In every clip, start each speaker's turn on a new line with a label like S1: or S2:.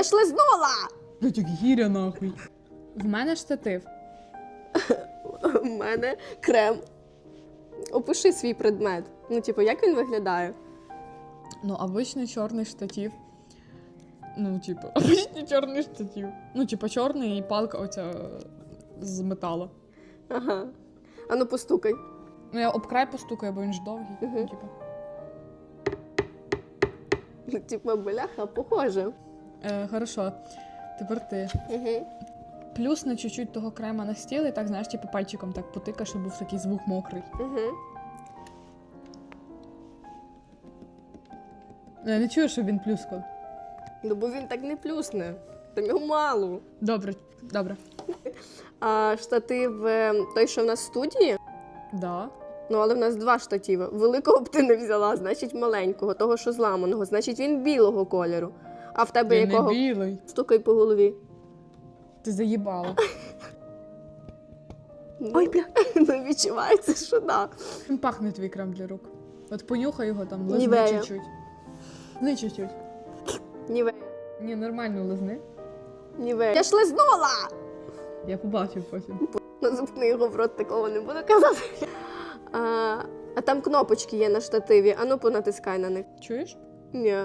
S1: шлизнула!
S2: Блять, як гіря нахуй. В мене штатив.
S1: У мене крем. Опиши свій предмет. Ну, типу, як він виглядає?
S2: Ну, обичний чорний штатив. Ну, типу, обичний чорний штатив. Ну, типу, чорний і палка оця з металу.
S1: Ага. А ну постукай.
S2: Ну, я об край постукаю, бо він ж довгий. Ну, типу.
S1: Ну, типу, бляха, похоже.
S2: Хорошо. Тепер ти.
S1: Угу.
S2: Плюс на чуть-чуть того крема на стіл і так, знаєш, типу пальчиком так потика, щоб був такий звук мокрий.
S1: Угу.
S2: Я не чую, щоб він плюскав.
S1: Ну, бо він так не плюсне. Там його мало.
S2: Добре, добре.
S1: А штатив той, що в нас в студії?
S2: Да.
S1: Ну, але в нас два штативи. Великого б ти не взяла, значить маленького, того, що зламаного. Значить, він білого кольору. А в тебе
S2: Він
S1: якого?
S2: не білий.
S1: Стукай по голові.
S2: Ти заїбала.
S1: Ой, бля. Ну, відчувається, що да.
S2: Він пахне твій крем для рук. От понюхай його там, лизни
S1: Нівея.
S2: чуть-чуть. Лизни чуть-чуть.
S1: Нівея.
S2: Ні, нормально лизни.
S1: Нівея. Я шлизнула!
S2: Я побачив потім.
S1: Назупни його в рот, такого не буду казати. А там кнопочки є на штативі. А ну понатискай на них.
S2: Чуєш?
S1: Ні.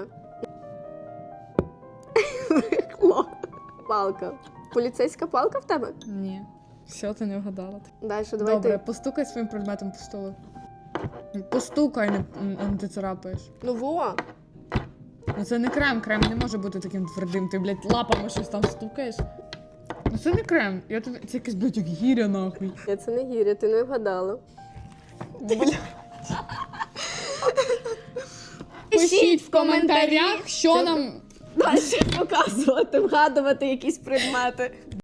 S1: Брехло. Палка. Поліцейська палка в тебе?
S2: Ні. Все, ти не вгадала.
S1: Далі, давай
S2: Добре,
S1: ти.
S2: постукай своїм предметом по столу. Постукай, не ти царапаєш.
S1: Ну во.
S2: Ну це не крем, крем не може бути таким твердим. Ти, блядь, лапами щось там стукаєш. Ну це не крем. Я тобі... Це якась, блядь, як гіря нахуй.
S1: Я це не гіря, ти не вгадала.
S2: Пишіть в коментарях, що нам
S1: Далі показувати, вгадувати якісь предмети.